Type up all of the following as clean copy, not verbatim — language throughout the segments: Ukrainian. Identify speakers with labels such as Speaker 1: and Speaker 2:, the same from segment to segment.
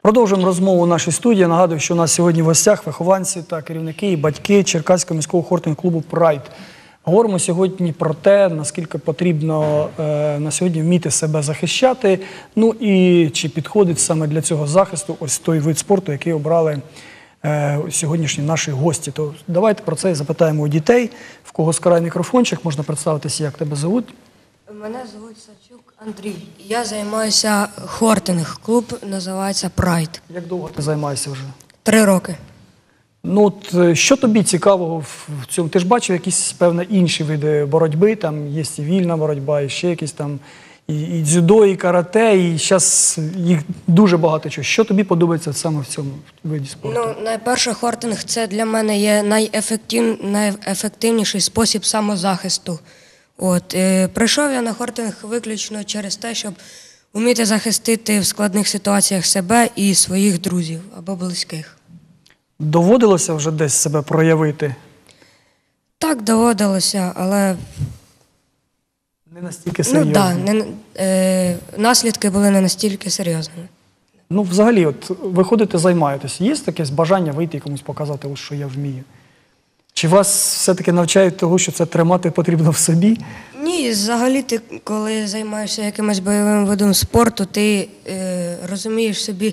Speaker 1: Продовжуємо розмову у нашій студії. Нагадую, що у нас сьогодні в гостях вихованці та керівники і батьки Черкаського міського хортинг-клубу «Прайд». Говоримо сьогодні про те, наскільки потрібно на сьогодні вміти себе захищати, ну і чи підходить саме для цього захисту ось той вид спорту, який обрали сьогоднішні наші гості. То давайте про це і запитаємо у дітей. В кого скрай мікрофончик, можна представитися, як тебе звуть?
Speaker 2: Мене звуть Сачук Андрій. Я займаюся хортинг. Клуб називається «Прайд».
Speaker 1: Як довго ти займаєшся вже?
Speaker 2: 3 роки.
Speaker 1: Ну, от, що тобі цікавого в цьому? Ти ж бачив якісь, певно, інші види боротьби, там є і вільна боротьба, і ще якісь там, і дзюдо, і карате, і зараз їх дуже багато чого. Що тобі подобається саме в цьому виді спорту?
Speaker 2: Ну, найперше, хортинг – це для мене є найефективніший спосіб самозахисту. Прийшов я на хортинг виключно через те, щоб вміти захистити в складних ситуаціях себе і своїх друзів або близьких.
Speaker 1: Доводилося вже десь себе проявити?
Speaker 2: Так, доводилося, але...
Speaker 1: Не настільки серйозно?
Speaker 2: Ну, так, наслідки були не настільки серйозними.
Speaker 1: Ну, взагалі, от ви ходите, займаєтесь. Є таке бажання вийти і комусь показати, ось що я вмію? Чи вас все-таки навчають того, що це тримати потрібно в собі?
Speaker 2: Ні, взагалі ти, коли займаєшся якимось бойовим видом спорту, ти розумієш собі,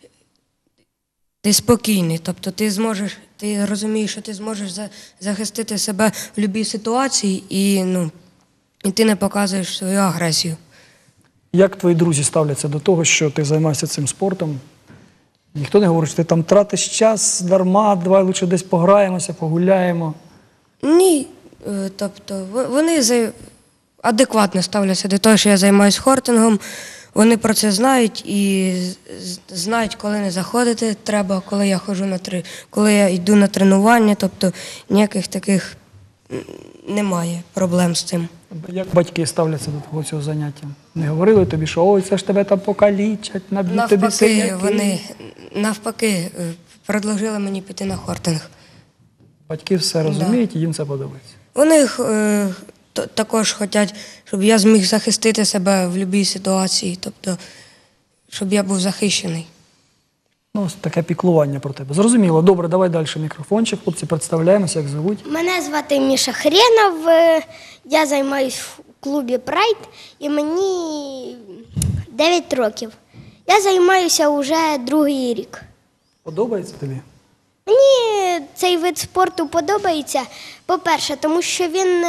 Speaker 2: ти спокійний, тобто ти розумієш, що ти зможеш захистити себе в будь-якій ситуації і ти не показуєш свою агресію.
Speaker 1: Як твої друзі ставляться до того, що ти займаєшся цим спортом? Ніхто не говорить, що ти там тратиш час дарма, давай лише десь пограємося, погуляємо?
Speaker 2: Ні, тобто вони адекватно ставляться до того, що я займаюся хортингом. Вони про це знають і знають, коли не заходити треба, коли я йду на тренування, тобто ніяких таких немає проблем з цим.
Speaker 1: Як батьки ставляться до того цього заняття? Не говорили тобі, що ой, це ж тебе там покалічать, наб'ють тобі синяки?
Speaker 2: Вони навпаки предложили мені піти на хортинг.
Speaker 1: Батьки все розуміють і їм це подобається?
Speaker 2: Вони також хочуть, щоб я зміг захистити себе в будь-якій ситуації, тобто, щоб я був захищений.
Speaker 1: Ну, ось таке піклування про тебе. Зрозуміло. Добре, давай далі мікрофончик. Хлопці, представляємося, як звуть.
Speaker 3: Мене звати Міша Хренов, я займаюся в клубі «Прайд» і мені 9 років. Я займаюся вже 2-й рік.
Speaker 1: Подобається тобі?
Speaker 3: Мені цей вид спорту подобається, по-перше, тому що він,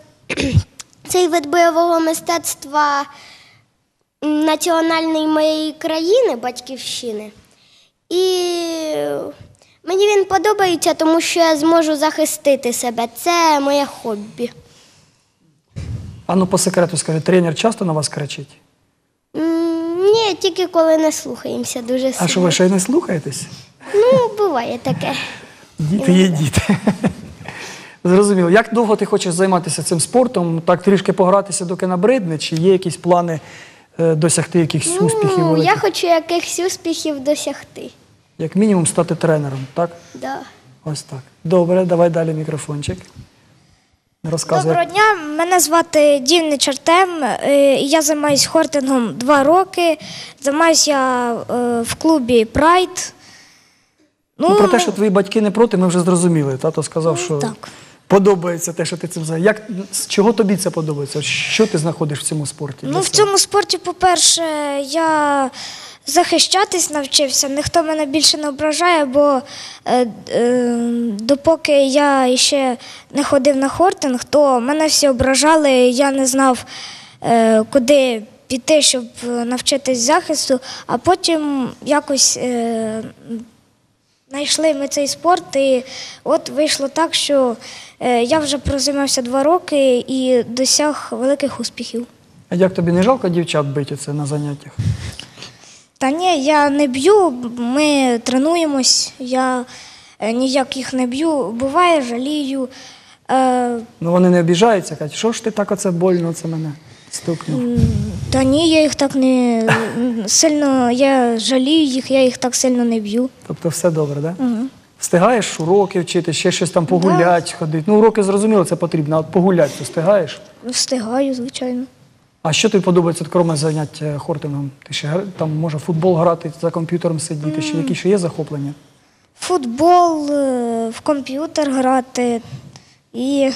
Speaker 3: цей вид бойового мистецтва національний моєї країни, батьківщини. І мені він подобається, тому що я зможу захистити себе. Це моє хобі.
Speaker 1: А ну по секрету скажи, тренер часто на вас кричить?
Speaker 3: Ні, тільки коли не слухаємося дуже сильно.
Speaker 1: А що, ви ще й не слухаєтесь?
Speaker 3: Ну, буває таке.
Speaker 1: Діти є діти. Зрозуміло. Як довго ти хочеш займатися цим спортом? Так трішки погратися, доки набридне? Чи є якісь плани досягти якихось успіхів великих?
Speaker 3: Я хочу якихось успіхів досягти.
Speaker 1: Як мінімум стати тренером, так?
Speaker 3: Да.
Speaker 1: Ось так. Добре, давай далі мікрофончик. Розказуй.
Speaker 4: Доброго дня, мене звати Дівнич Артем, я займаюся хортингом 2 роки, займаюся я в клубі «Прайд».
Speaker 1: Ну, про те, що твої батьки не проти, ми вже зрозуміли. Тато сказав, що
Speaker 4: так.
Speaker 1: Подобається те, що ти цим займаєшся. З чого тобі це подобається? Що ти знаходиш в цьому спорті?
Speaker 4: Ну, в цьому спорті, по-перше, я захищатись навчився, ніхто мене більше не ображає, бо допоки я ще не ходив на хортинг, то мене всі ображали, я не знав, куди піти, щоб навчитись захисту, а потім якось знайшли ми цей спорт, і от вийшло так, що я вже прозаймався 2 роки і досяг великих успіхів.
Speaker 1: А як тобі не жалко дівчат бити це на заняттях?
Speaker 4: Та ні, я не б'ю, ми тренуємось, я ніяк їх не б'ю, буває, жалію.
Speaker 1: Ну вони не обіжаються, кажуть, що ж ти так оце больно, це мене стукнув?
Speaker 4: Та ні, я їх так не сильно, я жалію їх, я їх так сильно не б'ю.
Speaker 1: Тобто все добре, так? Да? Угу. Встигаєш уроки вчити, ще щось там погулять, ходити? Ну уроки зрозуміло, це потрібно, а от погулять ти встигаєш?
Speaker 4: Встигаю, звичайно.
Speaker 1: А що тобі подобається, крім занять хортингом? Ти ще там може футбол грати, за комп'ютером сидіти, ще які ще є захоплення?
Speaker 4: Футбол, в комп'ютер грати і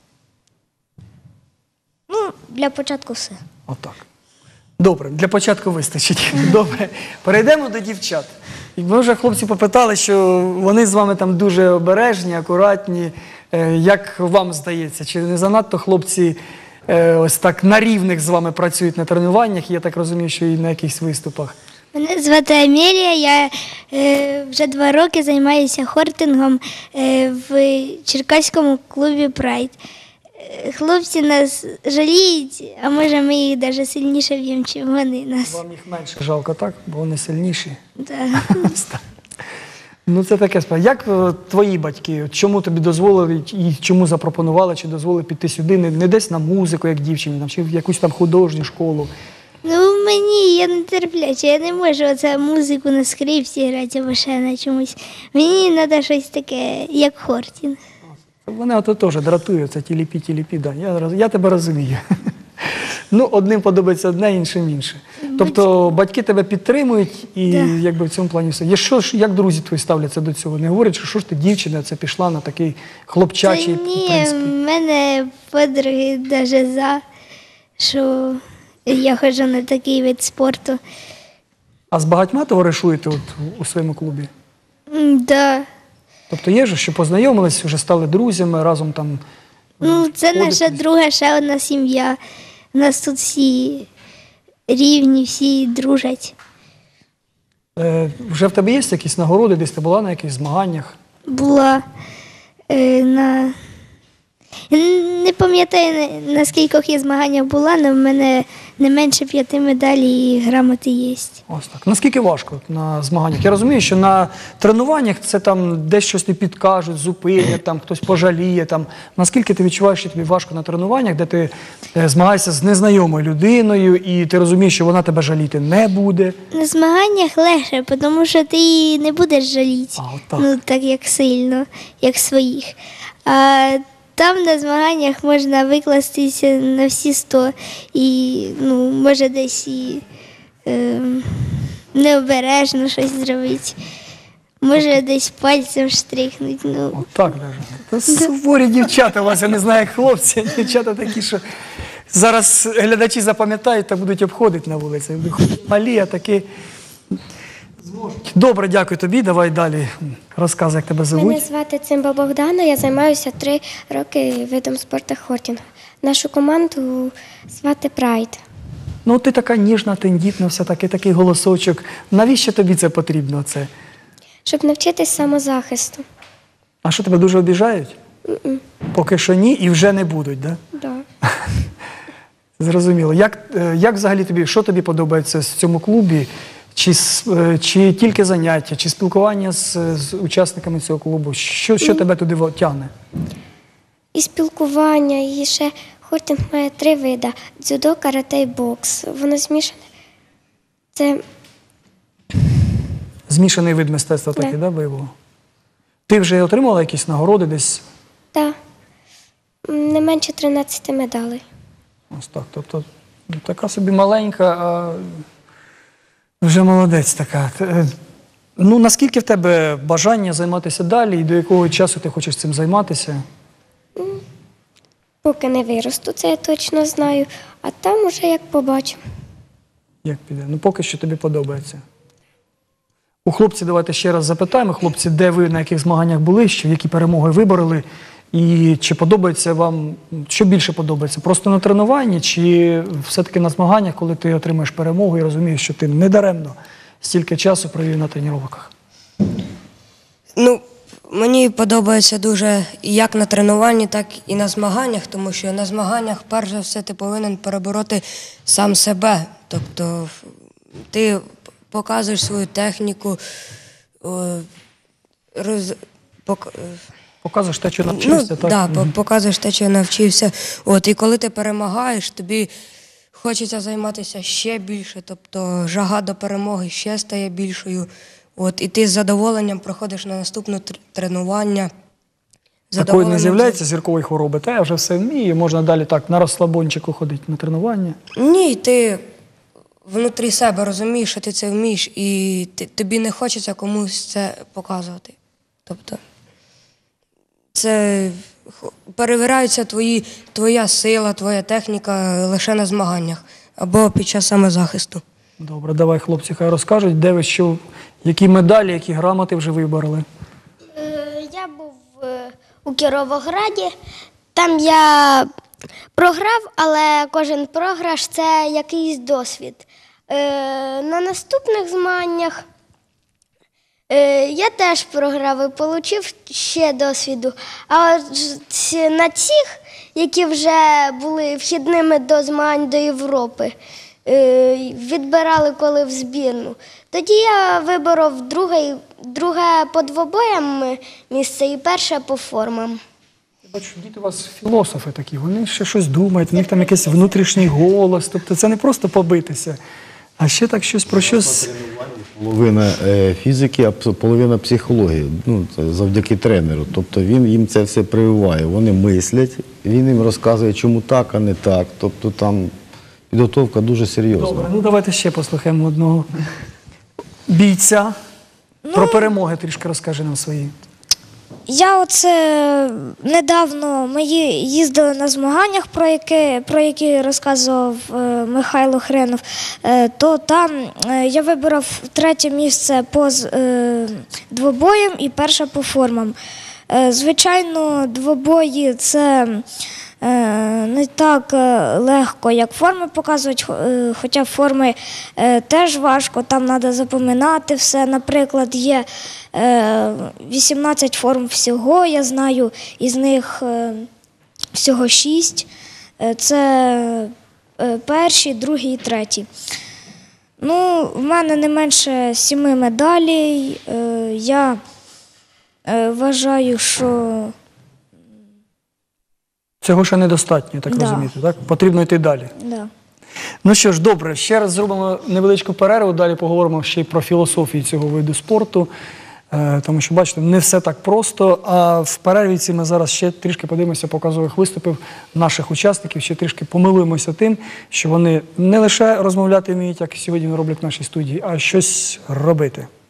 Speaker 4: для початку все.
Speaker 1: Отак. Добре, для початку вистачить. Добре. Перейдемо до дівчат. І ми вже хлопці попитали, що вони з вами там дуже обережні, акуратні. Як вам здається, чи не занадто хлопці ось так на рівних з вами працюють на тренуваннях? Я так розумію, що і на якихось виступах.
Speaker 5: Мене звати Амелія, я вже 2 роки займаюся хортингом в Черкаському клубі «Прайд». Хлопці нас жаліють, а може ми їх навіть сильніше б'ємо, ніж вони нас.
Speaker 1: Вам їх менше жалко, так? Бо вони сильніші.
Speaker 5: Да.
Speaker 1: Ось так. Ну, це таке справа. Як твої батьки, чому тобі дозволили і чому запропонували, чи дозволили піти сюди, не десь на музику, як дівчині, чи в якусь там художню школу?
Speaker 5: Ну, я не терпляча, я не можу оце музику на скрипці грати або ще на чомусь. Мені треба щось таке, як хортинг.
Speaker 1: Вони ото теж дратують, це тіліпі, да. Я тебе розумію. Ну, одним подобається одне, іншим інше. Тобто батьки тебе підтримують і якби в цьому плані все. Як друзі твої ставляться до цього? Не говорять, що ж ти дівчина, це пішла на такий хлопчачий, в
Speaker 5: Ні,
Speaker 1: принципі.
Speaker 5: в мене подруги навіть за, що я ходжу на такий вид спорту.
Speaker 1: А з багатьма товаришуєте от у своєму клубі?
Speaker 5: Да.
Speaker 1: Тобто є ж, що познайомились, вже стали друзями, разом там.
Speaker 5: Ну, це наша
Speaker 1: ходите?
Speaker 5: друга ще одна сім'я. У нас тут всі рівні, всі дружать.
Speaker 1: Вже в тебе є якісь нагороди, десь ти була на якихось змаганнях?
Speaker 5: Була на. Не пам'ятаю, на скількох я змаганнях була, але в мене не менше 5 медалей і грамоти є.
Speaker 1: Ось так. Наскільки важко на змаганнях? Я розумію, що на тренуваннях це там десь щось не підкажуть, зупинять, там хтось пожаліє. Там. Наскільки ти відчуваєш, що тобі важко на тренуваннях, де ти змагаєшся з незнайомою людиною і ти розумієш, що вона тебе жаліти не буде?
Speaker 5: На змаганнях легше, тому що ти її не будеш жаліти.
Speaker 1: А, от так.
Speaker 5: Ну, так як сильно, як своїх. А там на змаганнях можна викластися на всі 100 і, ну, може десь і необережно щось зробити. Може десь пальцем штрихнути. Ну.
Speaker 1: От так навіть. Та суворі дівчата у вас, я не знаю, як хлопці, а дівчата такі, що зараз глядачі запам'ятають та будуть обходити на вулиці. Малі, а такі зможуть. Добре, дякую тобі. Давай далі розказуй, як тебе звуть.
Speaker 6: Мене звати Цимба Богдана, я займаюся 3 роки видом спорту хортинг. Нашу команду звати Прайд.
Speaker 1: Ну, ти така ніжна, тендітна, все таки, такий голосочок. Навіщо тобі це потрібно? Це?
Speaker 6: Щоб навчитись самозахисту.
Speaker 1: А що, тебе дуже обіжають? Поки що ні і вже не будуть, так?
Speaker 6: Да.
Speaker 1: Зрозуміло. Як взагалі тобі, що тобі подобається в цьому клубі? Чи тільки заняття, чи спілкування з учасниками цього клубу? Що тебе туди тягне?
Speaker 6: І спілкування, і ще хортинг має 3 види – дзюдо, карате і бокс. Воно змішане. Це
Speaker 1: Змішаний вид мистецтва такий,
Speaker 6: Да.
Speaker 1: да, бойового? Ти вже отримала якісь нагороди десь?
Speaker 6: не менше 13 медалей.
Speaker 1: Ось так. Тобто така собі маленька, а вже молодець така. Ну, наскільки в тебе бажання займатися далі і до якого часу ти хочеш цим займатися?
Speaker 6: Поки не виросту, це я точно знаю. А там уже як побачимо.
Speaker 1: Як піде? Ну, поки що тобі подобається. У хлопців давайте ще раз запитаємо. Хлопці, де ви, на яких змаганнях були, які перемоги вибороли? І чи подобається вам, що більше подобається? Просто на тренуванні, чи все-таки на змаганнях, коли ти отримаєш перемогу і розумієш, що ти недаремно стільки часу провів на тренуваннях?
Speaker 2: Ну, мені подобається дуже і як на тренуванні, так і на змаганнях, тому що на змаганнях, перш за все, ти повинен перебороти сам себе. Тобто ти показуєш свою техніку,
Speaker 1: Показуєш те, що навчився, так?
Speaker 2: Так, показуєш те, що навчився. І коли ти перемагаєш, тобі хочеться займатися ще більше, тобто жага до перемоги ще стає більшою. І ти з задоволенням проходиш на наступне тренування,
Speaker 1: Такої не
Speaker 2: задоволеним
Speaker 1: з'являється зіркової хвороби, та я вже все вмію, можна далі так на розслабончику ходити на тренування.
Speaker 2: Ні, ти внутрі себе розумієш, що ти це вмієш, і тобі не хочеться комусь це показувати. Тобто це перевіряється твоя сила, твоя техніка лише на змаганнях або під час самозахисту.
Speaker 1: Добре, давай хлопці хай розкажуть, де ви що, які медалі, які грамоти вже вибороли.
Speaker 3: Я був у Кіровограді. Там я програв, але кожен програш – це якийсь досвід. На наступних змаганнях я теж програв і отримав ще досвіду. А от на цих, які вже були вхідними до змагань до Європи, відбирали коли в збірну, тоді я виборов друге по двобоям місце і перше по формам.
Speaker 1: Я бачу, діти у вас філософи такі, вони ще щось думають, в них там якийсь внутрішній голос, тобто це не просто побитися, а ще так щось про щось.
Speaker 7: Половина фізики, а половина психології, ну, це завдяки тренеру. Тобто він їм це все прививає. Вони мислять, він їм розказує, чому так, а не так. Тобто там підготовка дуже серйозна.
Speaker 1: Добре, ну давайте ще послухаємо одного бійця. Про перемоги трішки розкажи нам свої.
Speaker 4: Я оце недавно ми їздили на змаганнях, про які розказував Михайло Хренов, то там я вибрав 3 місце по двобоям і перше по формам. Звичайно, двобої це не так легко, як форми показують, хоча форми теж важко, там треба запам'ятати все. Наприклад, є 18 форм всього, я знаю, із них всього 6. Це перші, другі і треті. Ну, в мене не менше 7 медалей. Я вважаю, що
Speaker 1: Цього ще недостатньо, так
Speaker 4: Да.
Speaker 1: розумієте, так? Потрібно йти далі.
Speaker 4: да.
Speaker 1: Ну що ж, добре, ще раз зробимо невеличку перерву, далі поговоримо ще й про філософію цього виду спорту, тому що, бачите, не все так просто, а в перерві ці ми зараз ще трішки подивимося показових виступів наших учасників, ще трішки помилуємося тим, що вони не лише розмовляти вміють, як сьогодні роблять в нашій студії, а щось робити.